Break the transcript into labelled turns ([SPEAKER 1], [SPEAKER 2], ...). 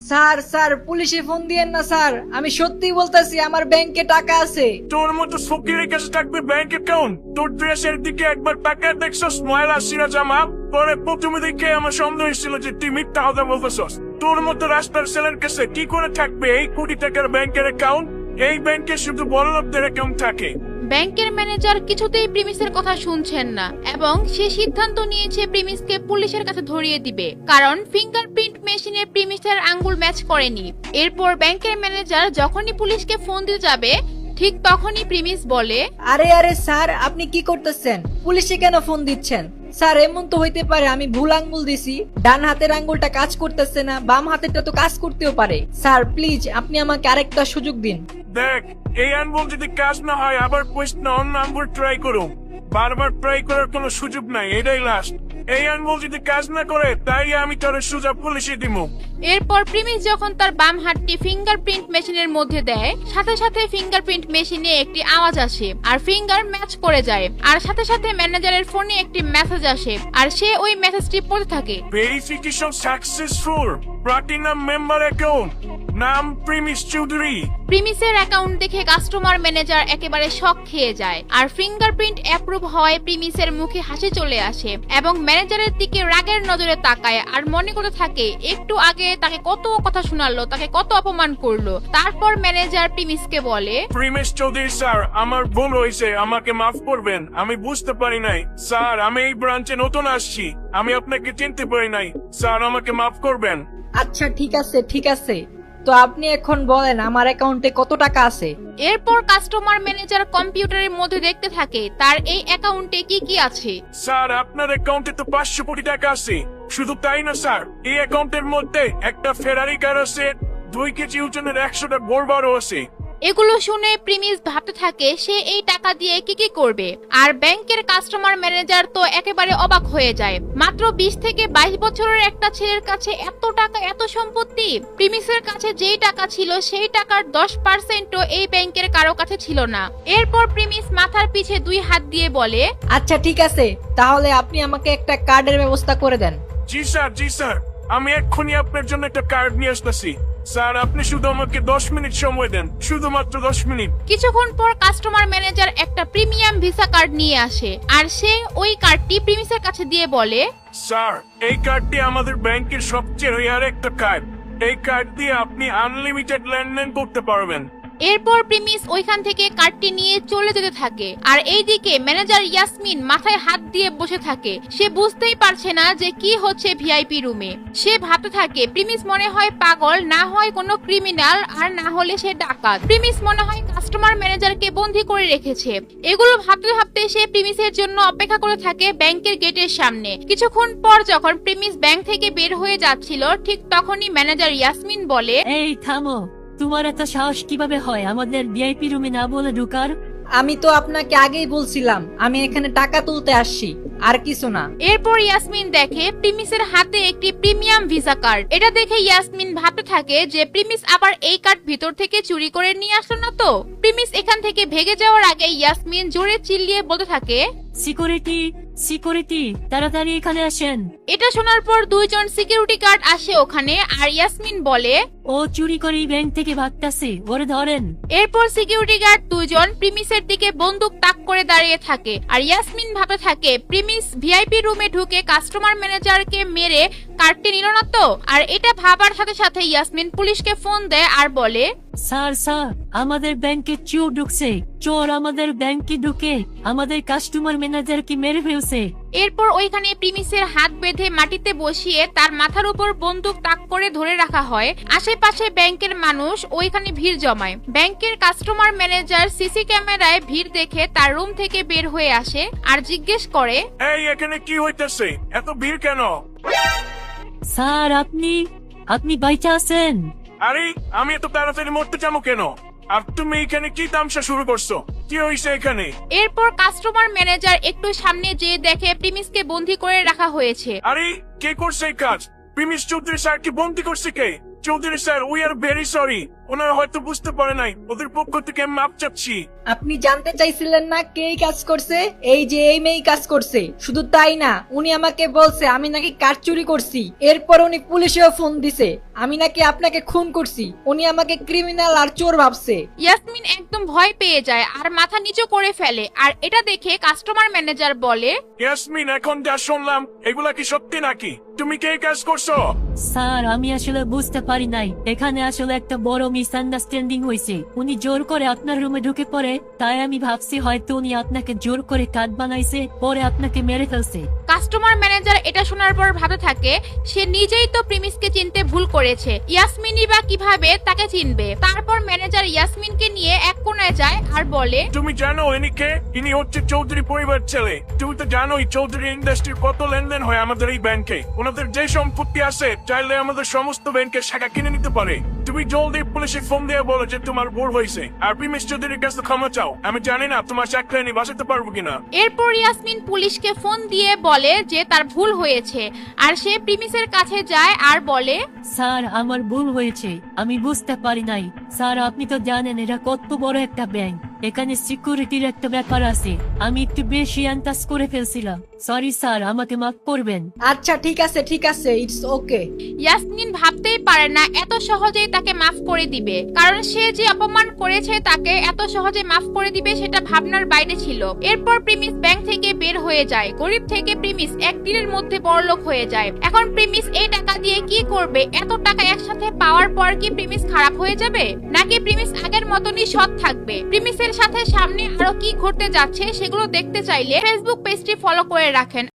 [SPEAKER 1] Sir sir পুলিশে phone দিয়েন না স্যার, আমি সত্যি বলতেছি আমার ব্যাংকে টাকা আছে।
[SPEAKER 2] তোর মতো ফকিরের কাছে থাকবে ব্যাংক অ্যাকাউন্ট? তোর ড্রেসের দিকে একবার তাকায় দেখছস ময়লা সিরা জামা? পরে প্রথমে দেখে আমার সন্দেহ ছিল যে তুই মিথ্যা কথা বলতেছস। তোর মতো রাস্তার ছেলের কাছে কি করে থাকবে এই কোটি টাকার ব্যাংকের অ্যাকাউন্ট? এই ব্যাংকে শুধু বড়লোকদের অ্যাকাউন্ট থাকে।
[SPEAKER 3] ব্যাংকের ম্যানেজার কিছুতেই প্রিমিসের কথা শুনছেন না এবং সে সিদ্ধান্ত নিয়েছে প্রিমিসকে পুলিশের কাছে ধরিয়ে দিবে, কারণ ফিঙ্গারপ্রিন্ট মেশিনে প্রিমিসের আঙ্গুল ম্যাচ করেনি। এরপর ব্যাংকের ম্যানেজার যখনই পুলিশকে ফোন দিতে যাবে ঠিক তখনই প্রিমিস বলে,
[SPEAKER 1] আরে আরে স্যার আপনি কি করতেছেন? পুলিশে কেন ফোন দিচ্ছেন? স্যার এমন তো হইতে পারে আমি ভুল আঙ্গুল দিছি, ডান হাতের আঙ্গুলটা কাজ করতেছে না, বাম হাতেরটা তো কাজ করতেও পারে। স্যার প্লিজ আপনি আমাকে আরেকটা সুযোগ দিন।
[SPEAKER 2] দেখ, এই আঙ্গুল যদি কাজ না হয় আবার কোয়েস্ট না অন্য আঙ্গুল ট্রাই করো। বারবার ট্রাই করার কোনো সুযোগ নাই, এটাই লাস্ট। এই আঙ্গুল যদি কাজ না করে তাই আমি তোর সুযোগ পুলিশে দিব।
[SPEAKER 3] এরপর প্রিমিস যখন তার বাম হাতটি ফিঙ্গারপ্রিন্ট মেশিনের মধ্যে দেয় সাথে সাথে ফিঙ্গারপ্রিন্ট মেশিনে একটি আওয়াজ আসে আর ফিঙ্গার ম্যাচ করে যায়, আর সাথে সাথে ম্যানেজারের ফোনে একটি মেসেজ আসে আর সে ওই মেসেজটি পড়তে থাকে।
[SPEAKER 2] Verification successful, platinum member account, নাম প্রিমিস চৌধুরী।
[SPEAKER 3] প্রিমিসের অ্যাকাউন্ট দেখে কাস্টমার ম্যানেজার একেবারে শক খেয়ে যায় আর ফিঙ্গারপ্রিন্ট অ্যাপ্রুভ হওয়ায় প্রিমিসের মুখে হাসি চলে আসে এবং ম্যানেজারের দিকে রাগের নজরে তাকায় আর মনে করতে থাকে একটু আগে তাকে কত কথা শোনালো, তাকে কত অপমান করলো। তারপর ম্যানেজার প্রিমিসকে বলে,
[SPEAKER 2] প্রিমিস চৌধুরী স্যার, আমার ভুল হয়েছে, আমাকে মাফ করবেন। আমি বুঝতে পারি নাই স্যার, আমি এই ব্রাঞ্চে নতুন আসছি, আমি আপনাকে চিনতে পারি নাই স্যার, আমাকে মাফ করবেন।
[SPEAKER 1] আচ্ছা ঠিক আছে ঠিক আছে, তো আপনি এখন বলেন আমার অ্যাকাউন্টে কত টাকা আছে?
[SPEAKER 3] এরপর কাস্টমার ম্যানেজার কম্পিউটারের মধ্যে দেখতে থাকে তার এই অ্যাকাউন্টে কি কি আছে।
[SPEAKER 2] স্যার আপনার অ্যাকাউন্টে তো 500 কোটি টাকা আছে। শুধু তাই না স্যার, এই অ্যাকাউন্টের মধ্যে একটা ফেরারি কার আছে, 2 কেজি ওজনের 100টা গোলবারও আছে।
[SPEAKER 3] এগুলো শুনে প্রিমিস ভাবতে থাকে সে এই টাকা দিয়ে কি কি করবে, আর ব্যাংকের কাস্টমার ম্যানেজার তো একেবারে অবাক হয়ে যায়। মাত্র 20 থেকে 22 বছরের একটা ছেলের কাছে এত টাকা, এত সম্পত্তি। প্রিমিসের কাছে যেই টাকা ছিল সেই টাকার 10%ও এই ব্যাংকের কারো কাছে ছিল না। এরপর প্রিমিস মাথার পিছে 2 হাত দিয়ে বলে,
[SPEAKER 1] আচ্ছা ঠিক আছে, তাহলে আপনি আমাকে একটা কার্ডের ব্যবস্থা করে দেন।
[SPEAKER 2] জি স্যার, জি স্যার, আমি এক্ষুনি আপনার জন্য একটা কার্ড নিয়ে আসতেছি। স্যার আপনি শুধু আমাকে 10 মিনিট সময় দেন, শুধুমাত্র 10 মিনিট।
[SPEAKER 3] কিছুক্ষণ পর কাস্টমার ম্যানেজার একটা প্রিমিয়াম ভিসা কার্ড নিয়ে আসে আর সে ওই কার্ডটি প্রিমিসের কাছে দিয়ে বলে,
[SPEAKER 2] স্যার এই কার্ডটি আমাদের ব্যাংকের সবচেয়ে রেয়ার একটা কার্ড। এই কার্ড দিয়ে আপনি আনলিমিটেড লেনদেন করতে পারবেন।
[SPEAKER 3] এরপর প্রিমিস ওইখান থেকে কার্ডটি নিয়ে চলে যেতে থাকে আর এইদিকে ম্যানেজার ইয়াসমিন মাথায় হাত দিয়ে বসে থাকে। সে বুঝতেই পারছে না যে কি হচ্ছে ভিআইপি রুমে। সে ভাবতে থাকে প্রিমিস মনে হয় পাগল, না হয় কোনো ক্রিমিনাল, আর না হলে সে ডাকাত। প্রিমিস মনে হয় কাস্টমার ম্যানেজারকে বন্দী করে রেখেছে। এগুলো ভাবতে ভাবতে সে প্রিমিসের জন্য অপেক্ষা করে থাকে ব্যাংকের গেটের সামনে। কিছুক্ষণ পর যখন প্রিমিস ব্যাংক থেকে বের হয়ে যাচ্ছিল ঠিক তখনই ম্যানেজার ইয়াসমিন বলে,
[SPEAKER 4] এই থামো, তোমার এত সাহস কিভাবে হয় আমাদের ভিআইপি রুমে না বলে ঢুকার?
[SPEAKER 1] আমি তো আপনাকে আগেই বলছিলাম আমি এখানে টাকা তুলতে আসছি, আর কিছু না।
[SPEAKER 3] এরপর ইয়াসমিন দেখে প্রিমিসের হাতে একটি প্রিমিয়াম ভিসা কার্ড। এটা দেখে ইয়াসমিন ভাবতে থাকে যে প্রিমিস আবার এই কার্ড ভিতর থেকে চুরি করে নিয়ে আসলো না তো। প্রিমিস এখান থেকে ভেগে যাওয়ার আগে ইয়াসমিন জোরে চিল্লিয়ে বলতে থাকে,
[SPEAKER 4] সিকিউরিটি, সিকিউরিটি, তাড়াতাড়ি এখানে আসেন।
[SPEAKER 3] এটা শোনার পর 2 জন সিকিউরিটি গার্ড আসে ওখানে আর ইয়াসমিন বলে,
[SPEAKER 4] ও চুরি করে ব্যাংক থেকে ভাগতাছে, ওরে ধরেন।
[SPEAKER 3] এরপর সিকিউরিটি গার্ড 2 জন প্রিমিসের দিকে বন্দুক তাক করে দাঁড়িয়ে থাকে আর ইয়াসমিন ভাবতে থাকে প্রিমিস ভিআইপি রুমে ঢুকে কাস্টমার ম্যানেজারকে মেরে কার্ডটি নিল না তো। আর এটা ভাবার সাথে সাথে ইয়াসমিন পুলিশকে ফোন দেয় আর বলে,
[SPEAKER 4] স্যার স্যার, আমাদের ব্যাংকে চোর ঢুকছে, চোর আমাদের ব্যাংকে ঢুকে আমাদের কাস্টমার ম্যানেজারকে মেরে ফেলছে।
[SPEAKER 3] এরপর ওইখানে প্রিমিসের হাত বেঁধে মাটিতে বসিয়ে তার মাথার উপর বন্দুক তাক করে ধরে রাখা হয়। আশেপাশে ব্যাংকের মানুষ ওইখানে ভিড় জমায়। ব্যাংকের কাস্টমার ম্যানেজার সিসি ক্যামেরায় ভিড় দেখে তার রুম থেকে বের হয়ে আসে আর জিজ্ঞেস করে,
[SPEAKER 2] এই এখানে কি হইতেছে, এত ভিড় কেন?
[SPEAKER 4] স্যার আপনি বাইচা আছেন?
[SPEAKER 2] আরে আমি এত তাড়াতাড়ি মরতে যাবো কেন? আর তুমি এখানে কি তামসা শুরু করছো? কি হয়েছে এখানে?
[SPEAKER 3] এরপর কাস্টমার ম্যানেজার একটু সামনে যেয়ে দেখে প্রিমিসকে বন্দী করে রাখা হয়েছে।
[SPEAKER 2] আরে কে করছে এই কাজ? প্রিমিস চৌধুরী স্যার কি বন্দি করছে কে? Chowdhury sir we are very sorry, ওনারা হয়তো বুঝতে পারে নাই, ওদের পক্ষ থেকে মাপ চাচ্ছি।
[SPEAKER 1] আপনি জানতে চাইছিলেন না কে এই কাজ করছে? এই যে এই মেয়েই কাজ করছে। শুধু তাই না, উনি আমাকে বলছে আমি নাকি কার চুরি করছি। এরপর উনি পুলিশেও ফোন দিছে আমি নাকি আপনাকে খুন করছি। উনি আমাকে ক্রিমিনাল আর চোর ভাবছে।
[SPEAKER 3] ইয়াসমিন একদম ভয় পেয়ে যায় আর মাথা নিচু করে ফেলে। আর এটা দেখে কাস্টমার ম্যানেজার বলে,
[SPEAKER 2] ইয়াসমিন, এখন যা শুনলাম এগুলা কি সত্যি নাকি? তুমি কে কাজ করছো?
[SPEAKER 4] স্যার আমি আসলে বুঝতে পারি নাই, এখানে আসলে একটা বড় মিসআন্ডারস্ট্যান্ডিং হয়েছে। উনি জোর করে আপনার রুমে ঢুকে পড়ে, তাই আমি ভাবছি হয়তো উনি আপনাকে জোর করে কার্ড বানাইছে, পরে আপনাকে মেরে ফেলছে।
[SPEAKER 3] কাস্টমার ম্যানেজার এটা শোনার পর ভাবতে থাকে সে নিজেই তো প্রিমিসকে চিনতে ভুল করেছে, ইয়াসমিনই বা কিভাবে তাকে চিনবে। তারপর ম্যানেজার ইয়াসমিনকে নিয়ে এক কোণায় যায় আর বলে,
[SPEAKER 2] তুমি জানো ইনি কে? ইনি হচ্ছে চৌধুরী পরিবার ছেলে। তুমি তো জানোই চৌধুরী ইন্ডাস্ট্রির কত লেনদেন হয় আমাদের এই ব্যাংকে। ওনাদের যে সম্পত্তি আছে চাইলে আমাদের সমস্ত ব্যাংকের শাখা কিনে নিতে পারে। তুমি জলদি পুলিশে ফোন দিয়ে বলো যে তোমার ভুল হয়েছে আর প্রিমিস চৌধুরীর কাছে ক্ষমা চাও। আমি জানি না তোমার চাকরি আমি বাঁচাতে পারবো কিনা।
[SPEAKER 3] এরপর ইয়াসমিন পুলিশকে ফোন দিয়ে বলে যে তার ভুল হয়েছে আর সে প্রিমিসের কাছে যায় আর বলে,
[SPEAKER 4] স্যার আমার ভুল হয়েছে, আমি বুঝতে পারি নাই। স্যার আপনি তো জানেন এটা কত বড় একটা ব্যাংক, এখানে সিকিউরিটির একটা ব্যাপার আছে। আমি একটু বেশি আন্দাজ করে ফেলছিলাম। সরি স্যার, আমাকে মাফ করবেন।
[SPEAKER 1] আচ্ছা ঠিক আছে, ইটস ওকে।
[SPEAKER 3] ইয়াসমিন ভাবতেই পারে না এত সহজেই তাকে মাফ করে দিবে, কারণ সে যে অপমান করেছে তাকে এত সহজে মাফ করে দিবে সেটা ভাবনার বাইরে ছিল। এরপর প্রিমিস ব্যাংক থেকে বের হয়ে যায়। গরিব থেকে প্রিমিস একদিনের মধ্যে বড়লোক হয়ে যায়। এখন প্রিমিস এই টাকা দিয়ে কি করবে? এত টাকা একসাথে পাওয়ার পর কি প্রিমিস খারাপ হয়ে যাবে, নাকি প্রিমিস আগের মতনই সৎ থাকবে? প্রিমিসের সাথে সামনে আরো কি ঘটতে যাচ্ছে সেগুলো দেখতে চাইলে ফেসবুক পেজটি ফলো করে রাখেন।